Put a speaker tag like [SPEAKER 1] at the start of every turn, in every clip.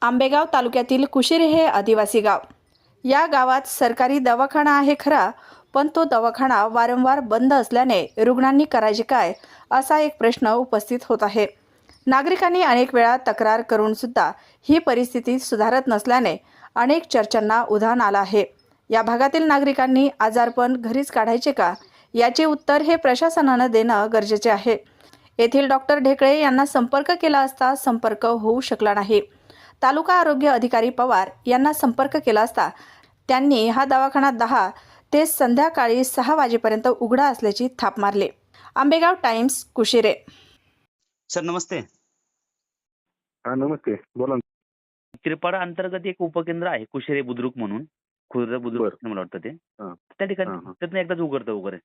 [SPEAKER 1] आंबेगाव तालुक्यातील कुशिरे हे आदिवासी गाव. या गावात सरकारी दवाखाना आहे खरा, पण तो दवाखाना वारंवार बंद असल्याने रुग्णांनी करायचे काय असा एक प्रश्न उपस्थित होत आहे. नागरिकांनी अनेक वेळा तक्रार करून सुद्धा ही परिस्थिती सुधारत नसल्याने अनेक चर्चांना उधाण आलं आहे. या भागातील नागरिकांनी आजारपण घरीच काढायचे का याचे उत्तर हे प्रशासनानं देणं गरजेचे आहे. येथील डॉक्टर ढेकळे यांना संपर्क केला असता संपर्क होऊ शकला नाही. तालुका आरोग्य अधिकारी पवार यांना संपर्क केला असता त्यांनी हा दवाखाना 10 ते संध्याकाळी 6 वाजेपर्यंत उघडा असल्याची थाप मारली. आंबेगाव टाइम्स, कुशिरे.
[SPEAKER 2] सर नमस्ते.
[SPEAKER 3] हा नमस्ते, बोला ना.
[SPEAKER 2] त्रिपाडा अंतर्गत एक उपकेंद्र आहे कुशिरे बुद्रुक म्हणून, खुर्द बुद्रुक मला वाटतं ते.
[SPEAKER 3] हा.
[SPEAKER 2] त्या ठिकाणी
[SPEAKER 3] हा, हा.
[SPEAKER 2] त्यातनं एकदाच उघडतं वगैरे.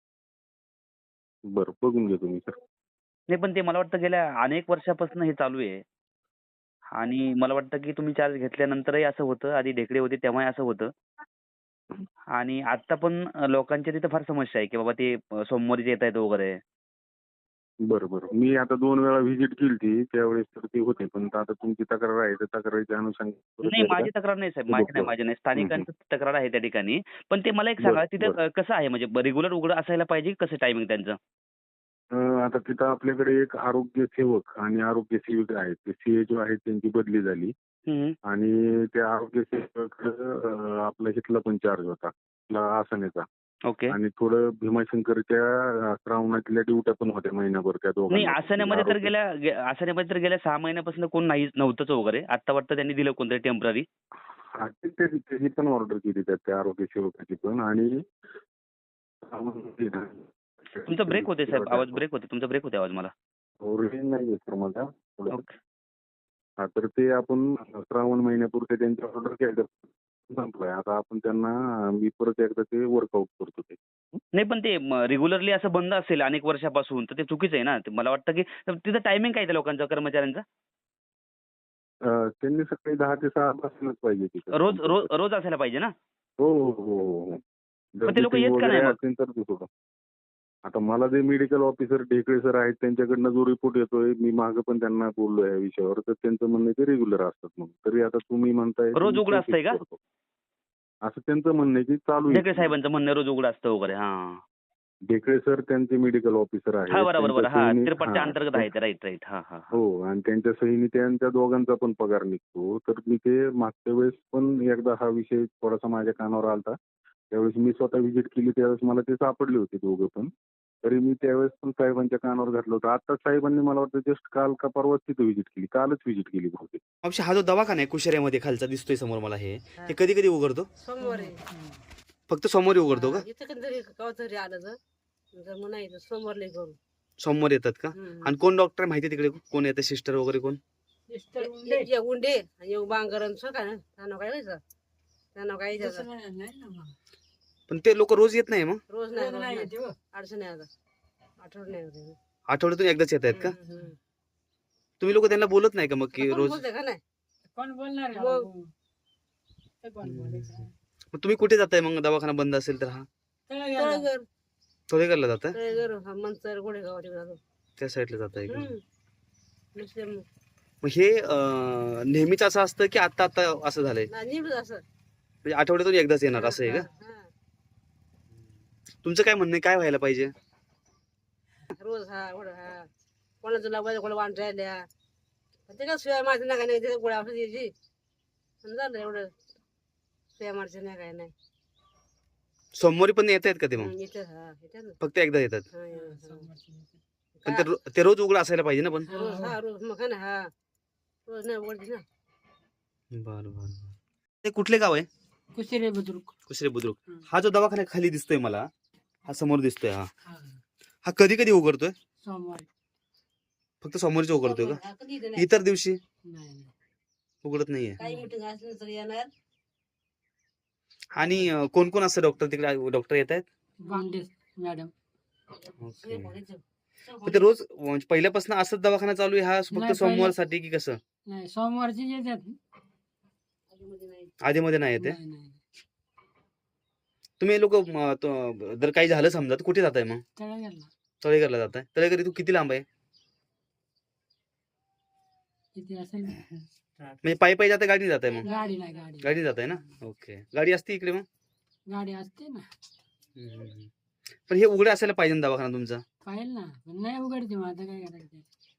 [SPEAKER 3] बरं, बघून घेतो मी सर.
[SPEAKER 2] नाही पण ते मला वाटतं गेल्या अनेक वर्षापासून हे चालू आहे. आणि मला वाटतं की तुम्ही चार्ज घेतल्यानंतरही असं होतं, आधी ढेकळे होते तेव्हाही असं होतं. आणि आता पण लोकांच्या तिथं फार समस्या आहे की बाबा ते सोमवारीच येत आहेत वगैरे.
[SPEAKER 3] बरं बरं, मी आता 2 वेळा व्हिजिट केली त्यावेळेस तर ते होते, पण आता तुमची तक्रार आहे तर तक्रारीच्या अनुषंगाने
[SPEAKER 2] नाही माझी तक्रार नाही साहेब, माझी नाही, स्थानिकांची तक्रार आहे त्या ठिकाणी. पण ते मला एक सांगा तिथं कसं आहे, म्हणजे रेग्युलर उघडं असायला पाहिजे, कसं टायमिंग त्यांचं?
[SPEAKER 3] आता तिथं आपल्याकडे एक आरोग्य सेवक आणि आरोग्य सेविका आहेत. ते सीए जो आहेत त्यांची बदली झाली आणि त्या आरोग्य सेवकाकडे आपला इथला पण चार्ज होता, आपला आसनेचा.
[SPEAKER 2] ओके.
[SPEAKER 3] आणि थोडं भीमाशंकरच्या श्रावणातल्या ड्युट्या पण होत्या महिनाभर त्या
[SPEAKER 2] नाही
[SPEAKER 3] दोघांना.
[SPEAKER 2] आसण्यामध्ये तर गेल्या 6 महिन्यापासून कोण नव्हतंच वगैरे. आता वाटतं त्यांनी दिलं कोणतरी टेम्पररी.
[SPEAKER 3] त्याची पण ऑर्डर केली त्या आरोग्य सेवकाची पण. आणि
[SPEAKER 2] तुमचा ब्रेक होते साहेब, आवाज ब्रेक होते, तुमचा ब्रेक होते आवाज मला.
[SPEAKER 3] रेंज नाहीये सर माझा.
[SPEAKER 2] ओके.
[SPEAKER 3] हा, तर ते आपण श्रावण महिन्यापुरते त्यांची ऑर्डर केलं, संपलंय. आता आपण त्यांना मी परत एकदा ते वर्कआउट करतो ते.
[SPEAKER 2] नाही पण ते रेग्युलरली असं बंद असेल अनेक वर्षापासून तर ते चुकीचं आहे ना. मला वाटतं की तिथं टायमिंग काय त्या लोकांचा, कर्मचाऱ्यांचा?
[SPEAKER 3] त्यांनी सकाळी 10 ते 6 पासूनच पाहिजे तिथं.
[SPEAKER 2] रोज रोज रोज असायला पाहिजे ना.
[SPEAKER 3] हो हो हो हो.
[SPEAKER 2] पण ते लोक येत का नाही मग?
[SPEAKER 3] असेल तर ते थोडं. आता मला जे मेडिकल ऑफिसर ढेकळे सर आहेत त्यांच्याकडनं जो रिपोर्ट येतोय, मी मागं पण त्यांना बोललो या विषयावर, तर त्यांचं म्हणणं आहे ते रेग्युलर असतात म्हणून. तरी आता तुम्ही म्हणताय
[SPEAKER 2] रोज उघडं असतंय का?
[SPEAKER 3] असं त्यांचं म्हणणं आहे की चालू आहे.
[SPEAKER 2] ढेकळे साहेबांचं म्हणणं रोज उघडं असतं वगैरे. हा
[SPEAKER 3] ढेकळे सर त्यांचे मेडिकल ऑफिसर आहेत.
[SPEAKER 2] हा बरोबर, हा त्रिपाडच्या अंतर्गत आहे. Right right. हा हा.
[SPEAKER 3] हो, आणि त्यांच्या सहीने त्यांच्या दोघांचा पण पगार निघतो. तर मी ते मागच्या वेळेस पण एकदा हा विषय थोडासा माझ्या कानावर आलता. त्यावेळेस मी स्वतः व्हिजिट केली, त्यावेळेस मला ते सापडले होते दोघं पण. तरी मी त्यावेळेस पण साहेबांच्या कानावर घातलं होतं. आता साहेबांनी मला वाटतं जस्ट काल का परवाच तिथे व्हिजिट केली, कालच व्हिजिट केली बहुतेक.
[SPEAKER 4] मावशी, हा जो दवाखाना आहे कुशऱ्यामध्ये खालचा दिसतोय समोर मला, हे कधी कधी उघडतो?
[SPEAKER 5] सोमवारी.
[SPEAKER 4] फक्त सोमवारी उघडतो का?
[SPEAKER 5] इथं कधीतरी कधीतरी आलं तर मग नाही सोमवारला करू.
[SPEAKER 4] सोमवार येतात का? आणि कोण डॉक्टर माहिती तिकडे, कोण येतं, सिस्टर वगैरे कोण?
[SPEAKER 5] उंडे आणि बांगरण का ना त्यांना काय व्हायचं, त्यांना काही
[SPEAKER 4] पण ते लोक रोज येत नाही मग?
[SPEAKER 5] रोज नाही अडचण नाही आता आठवड
[SPEAKER 4] आठवड्यातून एकदाच येत आहेत का? तुम्ही लोक त्यांना बोलत नाही का मग की रोज?
[SPEAKER 5] का नाही कोण बोलणार
[SPEAKER 4] मग तुम्ही कुठे जाताय मग दवाखाना बंद असेल तर? हा थोडेकरला जाताय?
[SPEAKER 5] मंचर गोडेगाव जातो
[SPEAKER 4] त्या साईडला जाताय का?
[SPEAKER 5] नाही
[SPEAKER 4] मग हे नेहमीच असं असतं की आता आता असं झालंय?
[SPEAKER 5] असं
[SPEAKER 4] म्हणजे आठवड्यातून एकदाच येणार असं आहे का? तुमचं काय म्हणणं आहे, काय व्हायला पाहिजे?
[SPEAKER 5] रोज कोणाचं लावायचं, कोणा वाण राहिल्या ते काय शिवाय माझं नाही काय नाही, गोळ्या औषध यायची झालं एवढं. शिवाय मारचं नाही काय नाही.
[SPEAKER 4] सोमवारी पण येत आहेत का ते मग?
[SPEAKER 5] येते
[SPEAKER 4] फक्त एकदा येतात? पण ते रोज उघडं असायला पाहिजे ना पण?
[SPEAKER 5] रोज मग ना रोज नाही उघडते ना.
[SPEAKER 4] बरं बरं. ते कुठले गाव आहे?
[SPEAKER 5] कुशिरे बुद्रुक.
[SPEAKER 4] कुशरे बुद्रुक. हा जो दवाखाना खाली दिसतोय मला, हा समोर दिसतोय, हा कधी कधी उघडतोय?
[SPEAKER 5] सोमवारी.
[SPEAKER 4] फक्त सोमवारीच उघडतोय का? इतर दिवशी उघडत नाहीये?
[SPEAKER 5] काही मीटिंग असलं तर येणार.
[SPEAKER 4] आणि कोण कोण असतं डॉक्टर तिकडे? डॉक्टर येत आहेत?
[SPEAKER 5] मॅडम.
[SPEAKER 4] ते रोज म्हणजे पहिल्यापासून असंच दवाखाना चालू आहे हा फक्त सोमवार साठी की कसं?
[SPEAKER 5] नाही सोमवारची येतात,
[SPEAKER 4] आधी मध्ये नाही येते? तुम्ही लोक जर काही झालं समजा तर कुठे जाताय मग? तळेघरला जाताय? तळेघर तू किती लांब आहे? म्हणजे पायी पायी जाते गाडी जात आहे मग?
[SPEAKER 6] गाडी नाही गाडी
[SPEAKER 4] गाडी जात आहे ना. ओके. गाडी असते इकडे मग?
[SPEAKER 6] गाडी असते ना
[SPEAKER 4] हम्म. पण हे उघडे असायला पाहिजे ना दवाखाना तुमचा?
[SPEAKER 6] पाहिजे ना पण नाही उघडते मग आता काय करायचं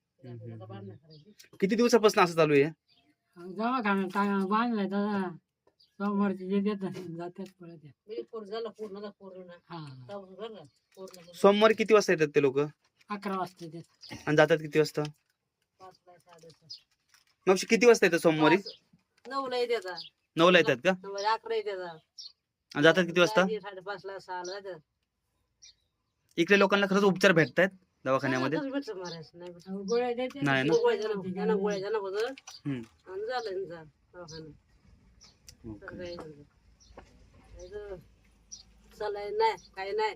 [SPEAKER 4] किती दिवसापासून असं चालू आहे?
[SPEAKER 6] दवाखाना बांधलाय दादा सोमवारची जे देतात जातात पळत
[SPEAKER 5] झालं पूर्ण पूर्ण
[SPEAKER 6] हा
[SPEAKER 5] पूर्ण
[SPEAKER 4] सोमवारी किती वाजता येतात ते लोक
[SPEAKER 6] 11 वाजता देतात
[SPEAKER 4] आणि जातात किती वाजता?
[SPEAKER 5] 5ला 5:30
[SPEAKER 4] मग किती वाजता येतात सोमवारी?
[SPEAKER 5] 9ला येतात
[SPEAKER 4] 9ला येतात का?
[SPEAKER 5] 11 येतात
[SPEAKER 4] आणि जातात किती वाजता?
[SPEAKER 5] 5:30ला 6ला येतात.
[SPEAKER 4] इकडे लोकांना खरंच उपचार भेटतायत दवाखान्यामध्ये?
[SPEAKER 5] भेटतं मारायचं नाही भेटतं.
[SPEAKER 6] गोळ्या देते
[SPEAKER 4] नाही ना?
[SPEAKER 5] त्यांना गोळ्या त्यांना बदल
[SPEAKER 4] हम्म.
[SPEAKER 5] आणि झालं यांचं दवाखाना.
[SPEAKER 4] ओके.
[SPEAKER 5] काही नाही. नाहीतर सलाईन नाही काही नाही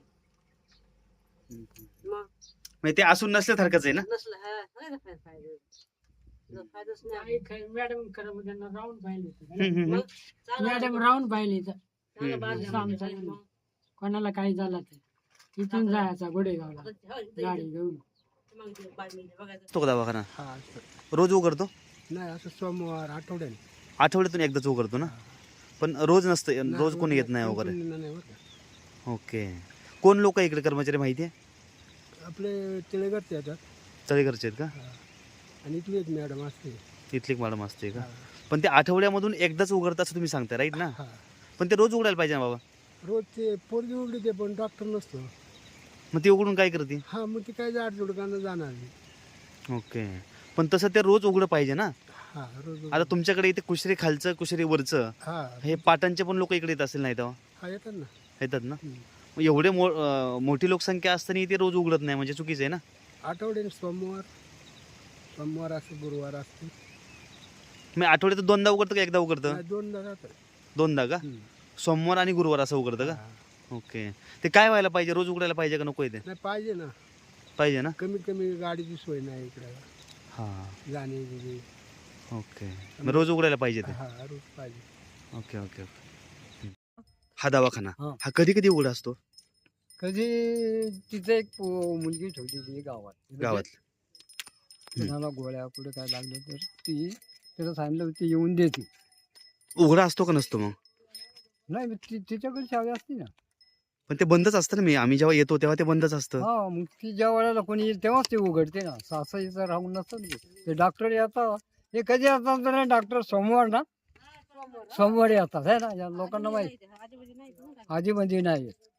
[SPEAKER 5] मग
[SPEAKER 4] म्हणजे ते असून नसल्यासारखंच आहे ना?
[SPEAKER 5] नसलं काय फायदा फायदाच नाही.
[SPEAKER 6] मॅडम खरं त्यांना राऊंड पाहिले
[SPEAKER 5] मग चांगलं
[SPEAKER 6] मॅडम राऊंड पाहिले तर
[SPEAKER 5] चांगलं बांधलं
[SPEAKER 6] हम्म.
[SPEAKER 5] पाहिजे मग.
[SPEAKER 6] कोणाला काही झालं तर इथून जायचा गोडेगावला
[SPEAKER 5] हो, इथं-
[SPEAKER 6] गाडी घेऊन
[SPEAKER 5] मग ते बाजूला बघायचं.
[SPEAKER 4] तो का दवाखाना
[SPEAKER 7] हा
[SPEAKER 4] रोज उघडतो?
[SPEAKER 7] नाही असं सोमवार आठवड्याने
[SPEAKER 4] आठवड्यातून एकदाच उघडतो ना? पण रोज नसतं, रोज कोणी येत नाही वगैरे?
[SPEAKER 7] नाही बरं का.
[SPEAKER 4] ओके. कोण लोक इकडे कर्मचारी माहिती आहे?
[SPEAKER 7] आपले तिळेगरचे येतात
[SPEAKER 4] तळेघरचे आहेत का?
[SPEAKER 7] आणि इथली एक मॅडम असते.
[SPEAKER 4] इथली एक मॅडम असते का?
[SPEAKER 7] हा.
[SPEAKER 4] पण ते आठवड्यामधून एकदाच उघडतं असं तुम्ही सांगताय राईट ना?
[SPEAKER 7] हा
[SPEAKER 4] पण ते रोज उघडायला पाहिजे ना बाबा?
[SPEAKER 7] रोज ते पोरगी उघडी ते पण डॉक्टर नसतो.
[SPEAKER 4] मग ते उघडून काय करते?
[SPEAKER 7] हा मग ते काय जोडकांना जाणार नाही.
[SPEAKER 4] ओके. पण तसं ते रोज उघडं पाहिजे ना?
[SPEAKER 7] हा रोज
[SPEAKER 4] आता तुमच्याकडे इथे कुशरी खालचं कुशरी वरचं
[SPEAKER 7] हा
[SPEAKER 4] हे पाटणचे पण लोक इकडे येत असेल नाही तेव्हा?
[SPEAKER 7] हा येतात ना.
[SPEAKER 4] येतात ना?
[SPEAKER 7] हम्म.
[SPEAKER 4] मग एवढे मोठी लोकसंख्या असताना ते रोज उघडत नाही म्हणजे चुकीचं आहे ना?
[SPEAKER 7] आठवड्याने सोमवार असते गुरुवार असते.
[SPEAKER 4] मग आठवड्यात दोनदा उघडतं का एकदा उघडतं?
[SPEAKER 7] नाही, दोनदा जातात.
[SPEAKER 4] दोनदा का?
[SPEAKER 7] हम्म.
[SPEAKER 4] सोमवार आणि गुरुवार असं उघडतं का?
[SPEAKER 7] हा.
[SPEAKER 4] ओके. ते काय व्हायला पाहिजे? रोज उघडायला पाहिजे का नको इथे?
[SPEAKER 7] नाही पाहिजे ना.
[SPEAKER 4] पाहिजे ना?
[SPEAKER 7] कमीत कमी गाडीची सोय नाही इकडे
[SPEAKER 4] हां.
[SPEAKER 7] जाणे
[SPEAKER 4] ओके. मग रोज उघडायला पाहिजे ते?
[SPEAKER 7] हा रोज पाहिजे.
[SPEAKER 4] Okay okay okay. हा दवाखाना
[SPEAKER 7] हा.
[SPEAKER 4] हा कधी कधी उघडा असतो
[SPEAKER 7] कधी तिथे एक मुलगी ठेवली गावात
[SPEAKER 4] गावात?
[SPEAKER 7] कोणाला गोळ्या कुठे काय लागलं तर ती त्याला सांगितलं ती येऊन देते.
[SPEAKER 4] उघडा असतो का नसतो मग?
[SPEAKER 7] नाही तिच्याकडे चावी असते ना.
[SPEAKER 4] पण ते बंदच असतं ना. आम्ही जेव्हा येतो तेव्हा ते बंदच असतं.
[SPEAKER 7] हा मग ती ज्या वेळेला कोणी येईल तेव्हाच ते उघडते ना. सासईचं राहून नसतं ना ते डॉक्टर येतात. हे कधी येतात तर डॉक्टर सोमवार ना सोमवारी येतात आहे ना. या लोकांना माहिती
[SPEAKER 5] आजूबाजू नाही
[SPEAKER 7] आधी म्हणजे नाही येत.